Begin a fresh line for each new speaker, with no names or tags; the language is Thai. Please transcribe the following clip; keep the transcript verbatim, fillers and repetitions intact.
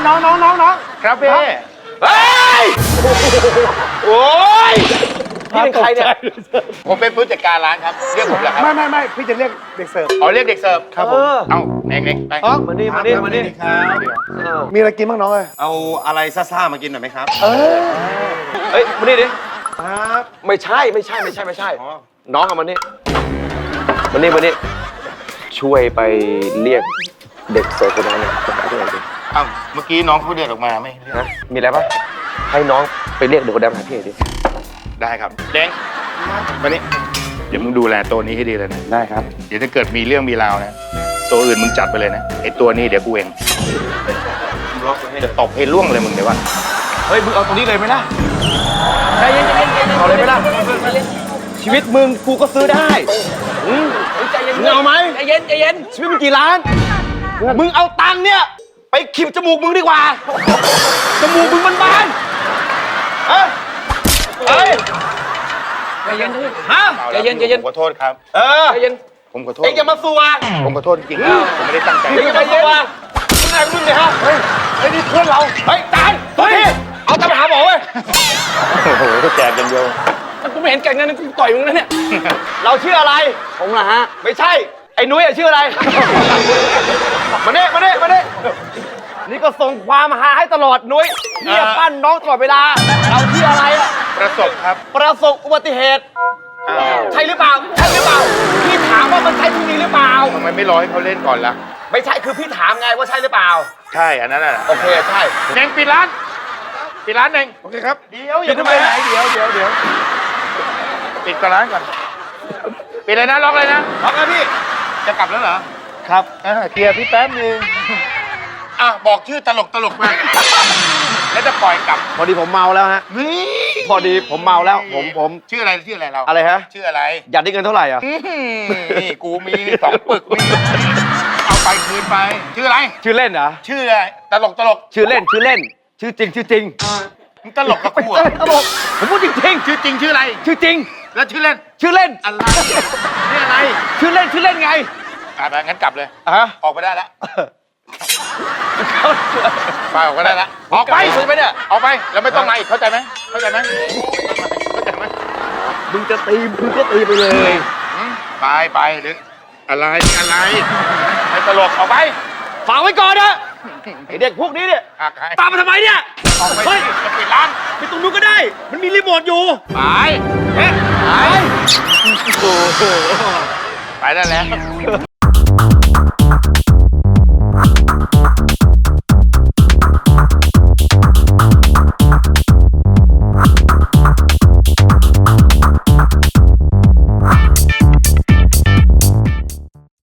น้องน้องน้องน้องครับพี่เฮ้ยโอ้ยพี่เป็นใครเนี่ยผมเป็นผู้จัดการร้านครับเรียกผมเหรอครับไม่ไม่ไม่พี่จะเรียกเด็กเสิร์ฟอ๋อเรียกเด็กเสิร์ฟครับผมเอาเน่งเน่งไปมาดิมาดิมาดิครับมีอะไรกินบ้างน้องเอ้ย
เอาอะไรซ่าๆมากินหน่อยไหมครับ
เออเฮ้ยมาดิดิครับไม่ใช่ไม่ใช่ไม่ใช่ไม่ใช่น้องเอามานี่มานี่มานี่ช่วยไปเรียกเด็กเสิร์ฟคนนั้นเนี่ยไปหาที่ไหนดิอ้าวเมื่อกี้น้องเขาเดินออกมาไม่นะมีอะไรปะให้น้องไปเรียกเด็กคนนั้นมาหาที่ไหนดิได้ครับเด้งมานี่เดี๋ยวมึงดูแลตัวนี้ให้ดีเลยนะได้ครับเดี๋ยวถ้าเกิดมีเรื่องมีราวนะตัวอื่นมึงจัดไปเลยนะไอตัวนี้เดี๋ยวกูเองจะตบให้ล่วงเลยมึงเดี๋ยวว่าเฮ้ยมึงเอาตัวนี้เลยไหมล่ะใจเย็นใจเย็นเอาเลยไหมล่ะชีวิตมึงกูก็ซื้อได้ใจเย็นมึงเอาไหมใจเย็นใจเย็นชีวิตมึงกี่ล้านมึงเอาตังค์เนี่ยไปขีดจมูกมึงดีกว่าจมูกมึงมันบานเฮ้ยเฮ้ยใจเย็นฮะใจเย็นใจเย็นผมขอโทษครับเออใจเย็นผมขอโทษเอ็งอย่ามาซัวผมขอโทษจริงๆผมไม่ได้ตั้งใจอย่ามาซัวมึงไงมึงเนี่ยฮะเฮ้ยไอ้นี่เพื่อนเราเฮ้ยตายตัวนี้เอาตามไปหาหมอเว้ยโอ้โหแจกกันเดียวกูไม่เห็นแก่งนั้นกูต่อยมึงนะเนี่ยเราชื่ออะไรผมเหรอฮะไม่ใช่ไอ้นุ้ยชื่ออะไรมาเน่มาเน่มาเน่นี่ก็ส่งความหาให้ตลอดนุ้ยเนี่ยปั้นน้องตลอดเวลาเราชื่ออะไรอะประสบครับประสบอุบัติเหตุใช่หรือเปล่าใช่หรือเปล่าพี่ถามว่ามันใช่ที่นี้หรือเปล่าทำไมไม่รอให้เขาเล่นก่อนล่ะไม่ใช่คือพี่ถามไงว่าใช่หรือเปล่าใช่อันนั้นแหละโอเคใช่เน่งปิดร้านปิดร้านเน่งโอเคครับเดี๋ยวอย่าทำไมไหนเดี๋ยวเดี๋ยวเดี๋ยวปิดก่อนร้านก่อนปิดเลยนะล็อกเลยนะล็อกนะพี่จะกลับแล้วเหรอครับเคลียร์พี่แป๊บนึงอ่ะบอกชื่อตลกตลกมาแล้วจะปล่อยกลับพอดีผมเมาแล้วฮะนี่พอดีผมเมาแล้วผมผมชื่ออะไรชื่ออะไรเราอะไรฮะชื่ออะไรอยากได้เงินเท่าไหร่อ่ะนี่กูมีสองปึกนี่เอาไปคืนไปชื่ออะไรชื่อเล่นเหรอชื่ออะไรตลกตลกชื่อเล่นชื่อเล่นชื่อจริงชื่อจริงมึงตลกกับกูอ่ะตลกผมพูดจริงจริงชื่อจริงชื่ออะไรชื่อจริงแล้วชื่อเล่นชื่อเล่นอะไรชื่ออะไรชื่อเล่นชื่อเล่นไงอ่ะไปงั้นกลับเลยอ่ะออกไปได้แล้วไปออกก็ได้ละออกไปใช่ไหมเนี่ยออกไปแล้วไม่ต้องมาอีกเข้าใจไหมเข้าใจไหมเข้าใจไหมมึงจะตีมึงก็ตีไปเลยไปไปหรืออะไรอะไรไม่ตลกออกไปฝากไว้ก่อนนะไอเด็กพวกนี้เนี่ยตามมาทำไมเนี่ยเฮ้ยจะปิดร้านไปตรงนู้นก็ได้มันมีรีโมทอยู่ไปไปไปได้แล้ว